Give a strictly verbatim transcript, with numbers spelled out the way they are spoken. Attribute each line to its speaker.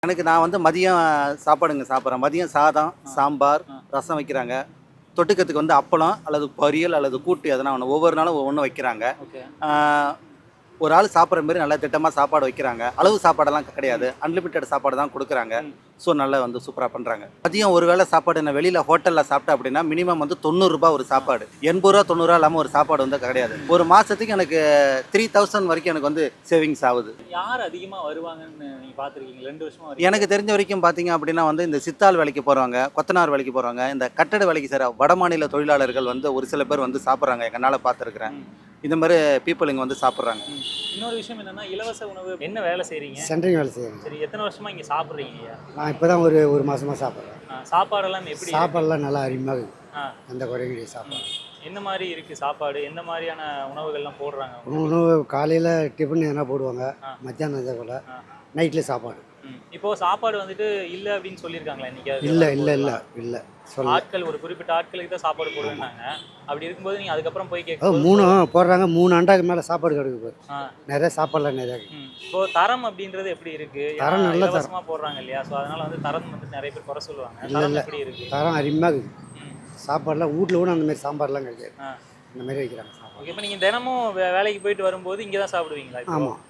Speaker 1: எனக்கு நான் வந்து மதியம் சாப்பாடுங்க சாப்பிட்றேன். மதியம் சாதம், சாம்பார், ரசம் வைக்கிறாங்க. தொட்டுக்கிறதுக்கு வந்து அப்பளம் அல்லது பொரியல் அல்லது கூட்டு எதனா ஒன்று. ஒவ்வொரு நாளும் ஒவ்வொன்று வைக்கிறாங்க.
Speaker 2: ஓகே.
Speaker 1: ஆ, ஒரு ஆள் சாப்பிட்ற மாரி நல்லா திட்டமாக சாப்பாடு வைக்கிறாங்க. அளவு சாப்பாடெல்லாம் கிடையாது. அன்லிமிட்டெட் சாப்பாடு தான் கொடுக்குறாங்க. ஸோ நல்லா வந்து சூப்பராக பண்ணுறாங்க. மதியம் ஒரு வேளை சாப்பாடு நான் வெளியில் ஹோட்டலில் சாப்பிட்டேன் அப்படின்னா மினிமம் வந்து தொண்ணூறுரூபா ஒரு சாப்பாடு. எண்பது ரூபா தொண்ணூறுரூவா இல்லாமல் ஒரு சாப்பாடு வந்து கிடையாது. ஒரு மாதத்துக்கு எனக்கு த்ரீ தௌசண்ட் வரைக்கும் எனக்கு வந்து சேவிங்ஸ் ஆகுது.
Speaker 2: யார் அதிகமா வருவாங்கன்னு நீங்க பார்த்துருக்கீங்க ரெண்டு வருஷமா?
Speaker 1: எனக்கு தெரிஞ்ச வரைக்கும் பார்த்தீங்க அப்படின்னா வந்து இந்த சித்தாள் வேலைக்கு போகிறவங்க, கொத்தனார் வேலைக்கு போகிறவங்க, இந்த கட்டட வேலைக்கு செய்கிற வடமாநில தொழிலாளர்கள் வந்து ஒரு சில பேர் வந்து சாப்பிட்றாங்க. எங்களால் பார்த்துருக்குறேன். இந்த மாதிரி பீப்புள் இங்கே வந்து சாப்பிட்றாங்க.
Speaker 2: இன்னொரு விஷயம் என்னன்னா, இலவச உணவு என்ன வேலை செய்றீங்க?
Speaker 3: சென்ட்ரிங் வேலை செய்கிறேன்.
Speaker 2: சரி, எத்தனை வருஷமா இங்க சாப்பிட்றீங்க?
Speaker 3: நான் இப்போ தான் ஒரு ஒரு மாதமாக சாப்பிட்றேன்.
Speaker 2: சாப்பாடெல்லாம் எப்படி இருக்கு?
Speaker 3: சாப்பாடெல்லாம் நல்லா அருமையாக இருக்குது.
Speaker 2: ஆ,
Speaker 3: எந்த குறையும் கிடையாது சாப்பாடு.
Speaker 2: என்ன மாதிரி இருக்கு சாப்பாடு? எந்த மாதிரியான உணவுகள்லாம் போடுறாங்க?
Speaker 3: உணவு காலையில் டிஃபன் எதனா போடுவாங்க,
Speaker 2: ஆ.
Speaker 3: மத்தியானம் இதே போல்,
Speaker 2: ஆ.
Speaker 3: நைட்டில் சாப்பாடு.
Speaker 2: ம். இப்போ சாப்பாடு வந்துட்டு இல்ல அப்படின்னு சொல்லியிருக்காங்களா இன்னைக்கு?
Speaker 3: இல்லை இல்லை இல்லை இல்லை சொல்ல
Speaker 2: ஆட்கள் ஒரு குறிப்பிட்ட ஆட்களுக்கு தான் சாப்பாடு போடுவேன்னாங்க. அப்படி இருக்கும்போது நீங்க அதுக்கப்புறம் போய்
Speaker 3: அது
Speaker 2: கேட்கும்
Speaker 3: மூணு போடுறாங்க. மூணு அண்டாக்கு மேலே சாப்பாடு கிடைக்குது.
Speaker 2: ஆ.
Speaker 3: நிறைய சாப்பாடுலாம் நிறையா இருக்குது.
Speaker 2: ம். இப்போ தரம் அப்படின்றது எப்படி இருக்கு?
Speaker 3: தரம் நல்ல தரம்.
Speaker 2: இலவசமா போடுறாங்க இல்லையா? ஸோ அதனால வந்து தரம் வந்து நிறைய பேர் குறை சொல்லுவாங்க.
Speaker 3: இல்லை
Speaker 2: தரம்
Speaker 3: இல்லை
Speaker 2: எப்படி இருக்கு?
Speaker 3: தரம் அருமையாக இருக்குது.
Speaker 2: ம்.
Speaker 3: சாப்பாடெலாம் வீட்டில் கூட அந்த மாதிரி சாம்பார்லாம் கிடைக்காது.
Speaker 2: ஆ.
Speaker 3: இந்த மாதிரி வைக்கிறாங்க சாப்பாடு.
Speaker 2: ஓகே. இப்போ நீங்க தினமும் வே- வேலைக்கு போயிட்டு வரும்போது இங்கே தான் சாப்பிடுவீங்களா இப்போ?
Speaker 3: ஆமாம்